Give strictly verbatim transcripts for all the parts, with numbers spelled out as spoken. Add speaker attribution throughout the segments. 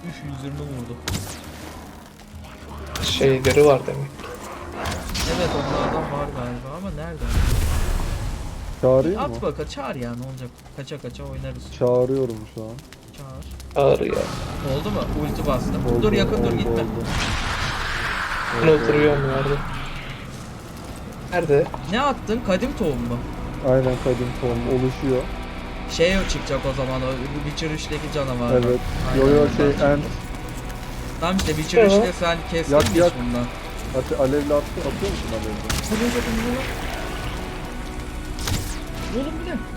Speaker 1: Üf, yüz yirmi vurdu.
Speaker 2: Şeyleri var demek.
Speaker 1: Evet onlardan var galiba ama nerede?
Speaker 3: Çağırayım mı?
Speaker 1: At baka çağır ya, ne olacak? Kaça kaça oynarız.
Speaker 3: Çağırıyorum şu an.
Speaker 1: Çağır.
Speaker 2: Ağır ya.
Speaker 1: Oldu mu? Ulti bastım.
Speaker 3: Oldu,
Speaker 1: dur yakın dur
Speaker 3: oldu,
Speaker 1: gitme.
Speaker 3: oldu.
Speaker 2: Ben oturuyorum yerde. Nerede?
Speaker 1: Ne attın? Kadim tohum mu?
Speaker 3: Aynen kadim form oluşuyor.
Speaker 1: Şey o çıkacak o zaman, o Witcher üçteki canavar.
Speaker 3: Evet.
Speaker 1: Aynen,
Speaker 3: Yo yo
Speaker 1: ondan
Speaker 3: şey
Speaker 1: çıkacak.
Speaker 3: end.
Speaker 1: Tamam işte Witcher
Speaker 2: Yo.
Speaker 1: üçte sen kestin
Speaker 3: Yak,
Speaker 1: mi hiç
Speaker 3: yak.
Speaker 1: bundan?
Speaker 3: Ate alevli attı, atıyor musun alevli?
Speaker 1: Hadi hadi bunu. Oğlum bir de.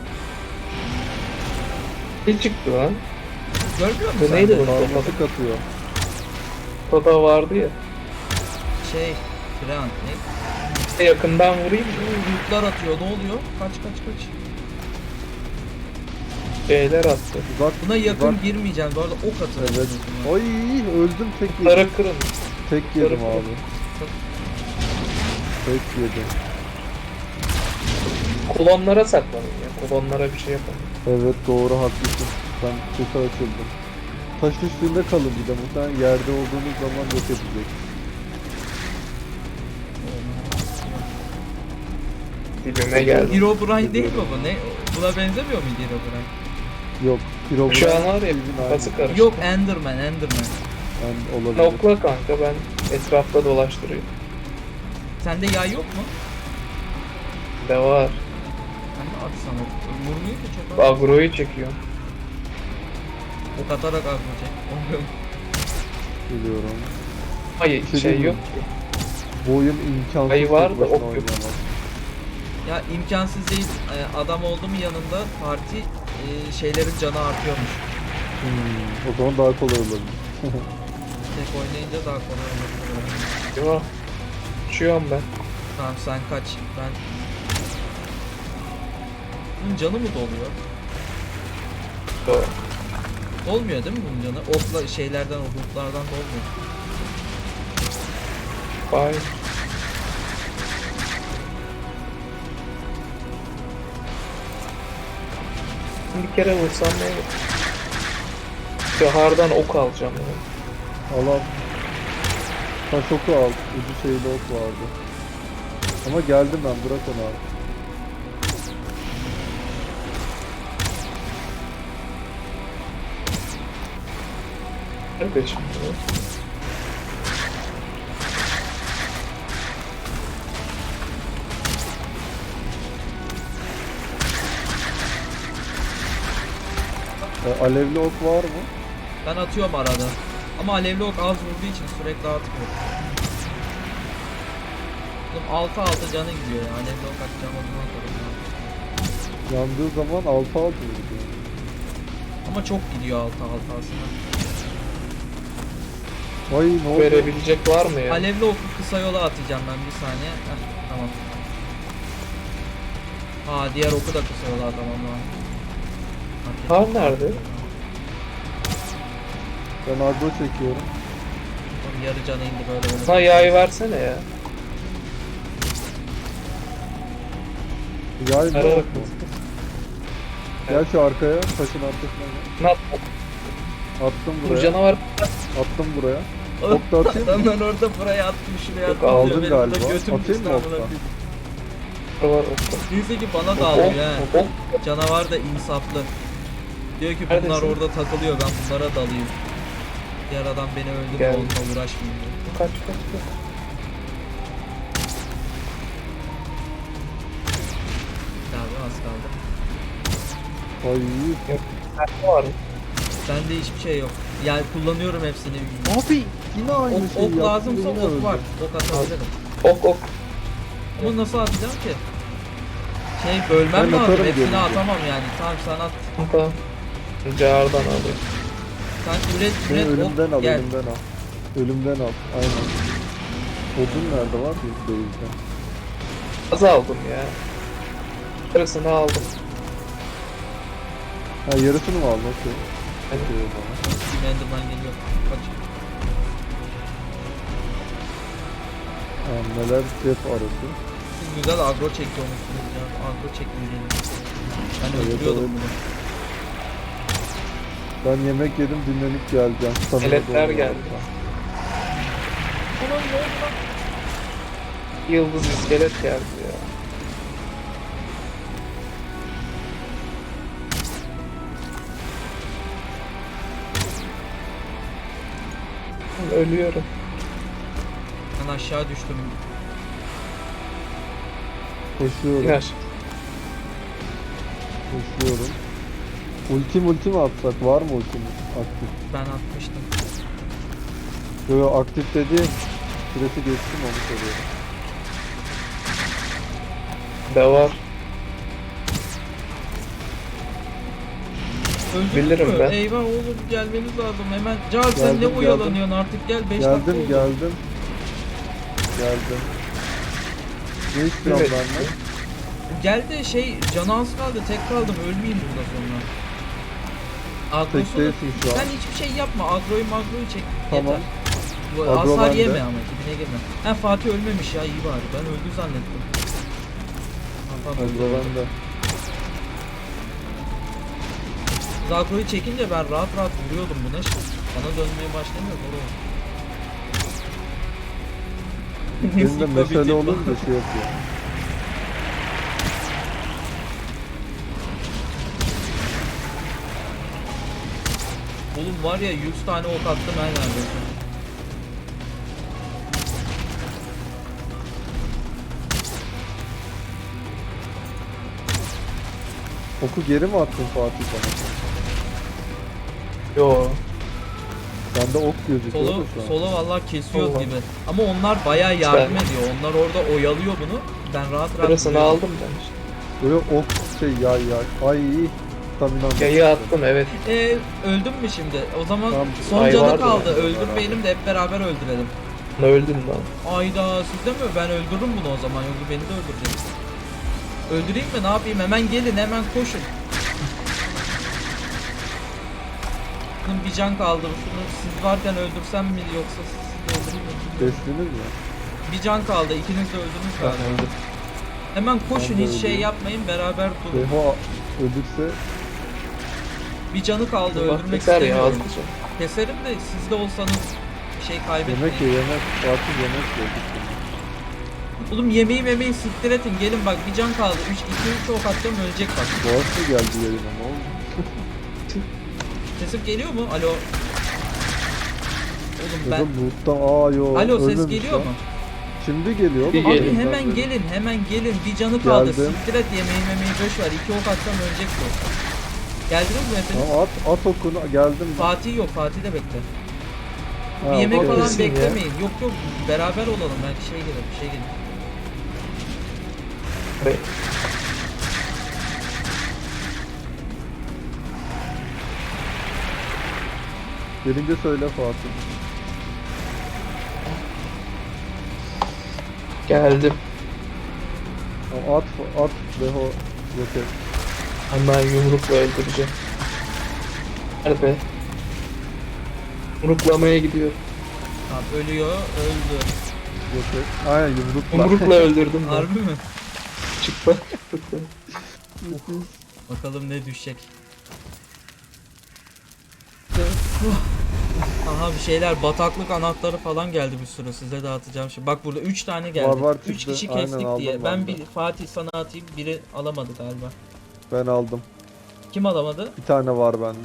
Speaker 2: Ne çıktı lan?
Speaker 1: Görmüyor musun
Speaker 2: Bu
Speaker 1: sen
Speaker 2: neydi
Speaker 1: de?
Speaker 2: bu?
Speaker 3: Sarmatık atıyor.
Speaker 2: Toda vardı ya.
Speaker 1: Şey, Frant ne?
Speaker 2: Yakından vurayım mı?
Speaker 1: Yükler atıyor, ne oluyor? Kaç kaç kaç.
Speaker 2: Şeyler attı.
Speaker 3: Uzak.
Speaker 1: Buna yakın
Speaker 3: uzak.
Speaker 1: girmeyeceğim. Bu arada ok atın.
Speaker 3: Evet. Ay öldüm tek yedim.
Speaker 2: Kutlara kırın.
Speaker 3: Tek yedim
Speaker 2: Kutları
Speaker 3: abi. Tek yedim.
Speaker 2: Kolonlara saklanın ya. Kolonlara bir şey yapalım.
Speaker 3: Evet doğru haklısın. Ben kötü açıldım. Taş üstünde kalın bir de muhtemelen yerde olduğunuz zaman yok edecek.
Speaker 2: Dibime geldi.
Speaker 1: Herobrine değil mi bu? Ne? Buna benzemiyor muydu Herobrine?
Speaker 3: Yok. Hero
Speaker 2: Şu an var ya
Speaker 3: Bizim
Speaker 2: kafası
Speaker 3: aynı.
Speaker 2: karıştı.
Speaker 1: Yok, Enderman, Enderman.
Speaker 3: Yani olabilir.
Speaker 2: Nokla kanka, ben etrafta dolaştırıyorum.
Speaker 1: Sende yay yok mu?
Speaker 2: De var.
Speaker 1: Ben de atsam ok. Vurmuyor ki çok az.
Speaker 2: Agro'yu çekiyor.
Speaker 1: Ok atarak atmayacak.
Speaker 3: Biliyorum.
Speaker 2: Hayır
Speaker 3: Bir şey
Speaker 2: şey
Speaker 3: değil
Speaker 2: yok
Speaker 3: mi?
Speaker 2: ki.
Speaker 3: Bu oyun imkansız.
Speaker 2: Ayı var
Speaker 3: tek
Speaker 2: da
Speaker 3: başına
Speaker 2: ok yok.
Speaker 3: oynayamaz.
Speaker 1: Ya imkansız değil. Ee, Adam oldu mu yanında parti e, şeylerin canı artıyormuş.
Speaker 3: Hmm, o zaman daha kolay olabilir.
Speaker 1: Tek oynayınca daha kolay olur.
Speaker 2: Değil mi? Uçuyorum ben.
Speaker 1: Tamam sen kaç. Ben... Bunun canı mı doluyor?
Speaker 2: Doğru.
Speaker 1: Dolmuyor değil mi bunun canı? Okla şeylerden, o bulutlardan dolmuyor.
Speaker 2: Bye. Bir kere vursam ne olur? Bahardan ok alacağım ya.
Speaker 3: Al al. Taş oku al. Ucu şeyli ok vardı. Ama geldim ben, bırak onu abi.
Speaker 2: Kardeşim.
Speaker 3: E, alevli ok var mı?
Speaker 1: Ben atıyorum arada. Ama alevli ok az vurduğu için sürekli atmıyor. Oğlum altı altı canı gidiyor ya. Alevli ok atacağım o zaman atarım.
Speaker 3: Yandığı zaman altı altı vuruyor.
Speaker 1: Ama çok gidiyor altı altı aslında.
Speaker 3: Ay ne oldu?
Speaker 2: Verebilecek var mı ya?
Speaker 1: Alevli oku kısa yola atacağım ben bir saniye. Heh, tamam. Aa diğer oku da kısa yola atamam lan.
Speaker 2: Har nerede?
Speaker 3: Ben agro çekiyorum.
Speaker 1: Oğlum yarı canı indi böyle böyle.
Speaker 2: Sana yay versene ya.
Speaker 3: Yay mı?
Speaker 2: Ara
Speaker 3: ok
Speaker 2: bak.
Speaker 3: mu? Gel şu arkaya, taşın arkasına gel.
Speaker 2: Nat
Speaker 3: Attım
Speaker 2: bu
Speaker 3: buraya.
Speaker 2: canavar.
Speaker 3: Attım buraya. Ok da atayım mı?
Speaker 1: Ben orada buraya attım, şuraya
Speaker 2: Yok,
Speaker 1: attım.
Speaker 3: aldın
Speaker 1: diyor, benim burada
Speaker 3: galiba.
Speaker 1: götüm
Speaker 3: Atayım
Speaker 1: düştü
Speaker 3: mı
Speaker 1: amına
Speaker 3: okla?
Speaker 1: koyayım.
Speaker 2: Var okta.
Speaker 1: Neyse ki bana da
Speaker 2: Ok,
Speaker 1: alıyor he.
Speaker 2: ok, ok.
Speaker 1: Canavar da insaflı. Diyor ki bunlar
Speaker 2: Neredesin?
Speaker 1: orada takılıyor, ben bunlara dalayım. Diğer adam beni öldü,
Speaker 2: Gel.
Speaker 1: onunla uğraşmayayım diyor.
Speaker 2: Kaç kaç kaç.
Speaker 1: Abi az kaldı.
Speaker 3: Ay
Speaker 2: Nerede var?
Speaker 1: Bende hiçbir şey yok. Yani kullanıyorum hepsini.
Speaker 3: abi yine aynı
Speaker 1: Ok,
Speaker 3: şeyi
Speaker 1: ok
Speaker 3: yaptım,
Speaker 1: lazımsa
Speaker 3: yine
Speaker 1: ok
Speaker 3: öldüm.
Speaker 1: var. Ok atabilirim.
Speaker 2: Ok ok.
Speaker 1: Ama nasıl atacağım ki? Şey bölmem
Speaker 3: Ben
Speaker 1: lazım.
Speaker 3: atarım
Speaker 1: Hepsini
Speaker 3: diyorum.
Speaker 1: atamam yani. Tamam sen at.
Speaker 2: Tamam. Cağırdan alayım.
Speaker 1: Sen üret
Speaker 3: Beni
Speaker 1: üret
Speaker 3: ölümden
Speaker 1: ok
Speaker 3: al,
Speaker 1: gel.
Speaker 3: ölümden al. Ölümden al, aynen. Odun nerede var ki değilse.
Speaker 2: Az aldım ya. Yarısını aldım.
Speaker 3: Ha yarısını mı aldın? Okey.
Speaker 2: Hani
Speaker 3: Okey o zaman.
Speaker 1: Bir Enderman geliyor. Kaç.
Speaker 3: Ha, neler cep arası.
Speaker 1: Siz güzel agro çekiyormuşsunuz ya. Agro çekmeyelim. Ben
Speaker 3: Evet,
Speaker 1: öldürüyordum
Speaker 3: evet.
Speaker 1: bunu.
Speaker 3: Ben yemek yedim, dinlenip geleceğim. Stamina
Speaker 2: Eletler
Speaker 3: doldu.
Speaker 2: geldi. Yıldız iskelet geldi ya. Ölüyorum.
Speaker 1: Ben aşağı düştüm.
Speaker 3: Koşuyorum,
Speaker 2: İner.
Speaker 3: koşuyorum. Ulti multi mi atsak? Var mı ultimiz aktif?
Speaker 1: Ben atmıştım.
Speaker 3: Yo yo, aktif dediğim süresi geçti mi onu soruyorum.
Speaker 2: De var.
Speaker 1: Öldük
Speaker 2: Bilirim
Speaker 1: mü?
Speaker 2: ben.
Speaker 1: Eyvah oğlum gelmeniz lazım hemen. Car sen
Speaker 3: Geldim,
Speaker 1: ne
Speaker 3: geldim.
Speaker 1: oyalanıyorsun artık gel beş dakika
Speaker 3: Geldim
Speaker 1: oldu.
Speaker 3: geldim. Geldim. Ne istiyorsun
Speaker 2: Evet.
Speaker 3: benden?
Speaker 1: Gel de şey canı az kaldı tek kaldım ölmeyeyim burada sonra.
Speaker 3: Tek
Speaker 1: Agrosunu
Speaker 3: değilsin şu an.
Speaker 1: sen hiçbir şey yapma agroyu magroyu çek
Speaker 3: Tamam.
Speaker 1: yeter. Bu
Speaker 3: Agro
Speaker 1: hasar
Speaker 3: bende.
Speaker 1: yeme ama dibine girme. Ha Fatih ölmemiş ya iyi bari ben öldü zannettim. Tamam,
Speaker 3: Hadi ben de.
Speaker 1: Biz agroyu çekince ben rahat rahat vuruyordum buna şimdi. Bana dönmeye başlamıyor doğru.
Speaker 3: Benim de mesele olunca şey yapıyor.
Speaker 1: Oğlum var ya yüz tane ok attım her neredeyse.
Speaker 3: Oku geri mi attın Fatih bana?
Speaker 2: Yo.
Speaker 3: Bende ok gözüküyor
Speaker 1: Solo,
Speaker 3: da şu an.
Speaker 1: solo vallahi kesiyoruz
Speaker 2: Allah.
Speaker 1: gibi. Ama onlar bayağı yardım
Speaker 2: Sen-
Speaker 1: ediyor. Onlar orada oyalıyor bunu. Ben rahat rahat
Speaker 2: Sırasını
Speaker 1: vuruyorum.
Speaker 2: aldım ben işte.
Speaker 3: Böyle ok şey yay yay. Ay iyi. Staminam.
Speaker 2: Yayı attım evet.
Speaker 1: Ee, öldün mü şimdi? O zaman
Speaker 3: Tamam.
Speaker 1: son
Speaker 2: Ay
Speaker 1: canı
Speaker 2: vardı
Speaker 1: kaldı.
Speaker 2: bende.
Speaker 1: Öldürmeyelim de hep beraber öldürelim.
Speaker 2: Öldüm lan.
Speaker 1: Ayda sizde mi? Ben öldürürüm bunu o zaman. Yoksa beni de öldürecek. Öldüreyim mi? Ne yapayım? Hemen gelin, hemen koşun. Bunun bir can kaldı. Şunu siz varken öldürsem mi yoksa sizi öldüreyim mi?
Speaker 3: Kestiniz mi?
Speaker 1: Bir can kaldı. İkiniz de öldünüz
Speaker 2: Ben
Speaker 1: galiba.
Speaker 2: öldüm.
Speaker 1: Hemen koşun
Speaker 3: Ben de
Speaker 1: hiç şey
Speaker 3: öldüm.
Speaker 1: yapmayın beraber durun.
Speaker 3: Deho ölürse
Speaker 1: Bir canı kaldı
Speaker 2: Bak
Speaker 1: öldürmek
Speaker 2: yeter ya
Speaker 1: istemiyorum.
Speaker 2: azlıca.
Speaker 1: Keserim de siz de olsanız bir şey kaybetmeyin.
Speaker 3: yemek ye yemek. Fatih yemek yedik.
Speaker 1: Oğlum yemeği memeği siktir etin gelin bak bir can kaldı. üç iki üç ok atacağım ölecek bak.
Speaker 3: Boğaz mı geldi yayına ne oldu?
Speaker 1: Sesim geliyor mu? Alo. Oğlum ben...
Speaker 3: Dedim loot'tan aa yo.
Speaker 1: Alo ses
Speaker 3: ölmemiş
Speaker 1: geliyor
Speaker 3: lan.
Speaker 1: mu?
Speaker 3: Şimdi geliyor
Speaker 2: Bir
Speaker 3: mu?
Speaker 1: Abi
Speaker 2: gelin,
Speaker 1: hemen
Speaker 3: Ben-
Speaker 1: gelin hemen gelin bir canı kaldı.
Speaker 3: Geldim.
Speaker 1: Siktir et yemeği memeği boş ver. iki ok atsam ölecek bu. Geldiniz mi hepiniz?
Speaker 3: Tamam at at okunu geldim.
Speaker 1: Fatih yok Fatih de bekle.
Speaker 3: Ha,
Speaker 1: Bir yemek
Speaker 3: okey.
Speaker 1: falan
Speaker 2: Kesin ya.
Speaker 1: beklemeyin. Yok yok beraber olalım belki şey gelir bir şey gelir.
Speaker 2: Be-
Speaker 3: Gelince söyle Fatih.
Speaker 2: Geldim.
Speaker 3: Tamam, at at Deho roket.
Speaker 2: Hemen yumrukla öldüreceğim. Hadi be. Yumruklamaya gidiyor.
Speaker 1: Tamam ölüyor öldü.
Speaker 3: Roket. Aynen yumrukla.
Speaker 2: Yumrukla öldürdüm ben.
Speaker 1: Harbi mi?
Speaker 2: Çıktı.
Speaker 1: Bakalım ne düşecek. Aha bir şeyler bataklık anahtarı falan geldi bir sürü size dağıtacağım şimdi. Bak burada üç tane geldi.
Speaker 3: Var, var
Speaker 1: üç
Speaker 3: çıktı.
Speaker 1: kişi
Speaker 3: Aynen,
Speaker 1: kestik
Speaker 3: aldım
Speaker 1: diye.
Speaker 3: ben
Speaker 1: Ben
Speaker 3: de.
Speaker 1: bir Fatih sana atayım biri alamadı galiba.
Speaker 3: Ben aldım.
Speaker 1: Kim alamadı?
Speaker 3: Bir tane var bende.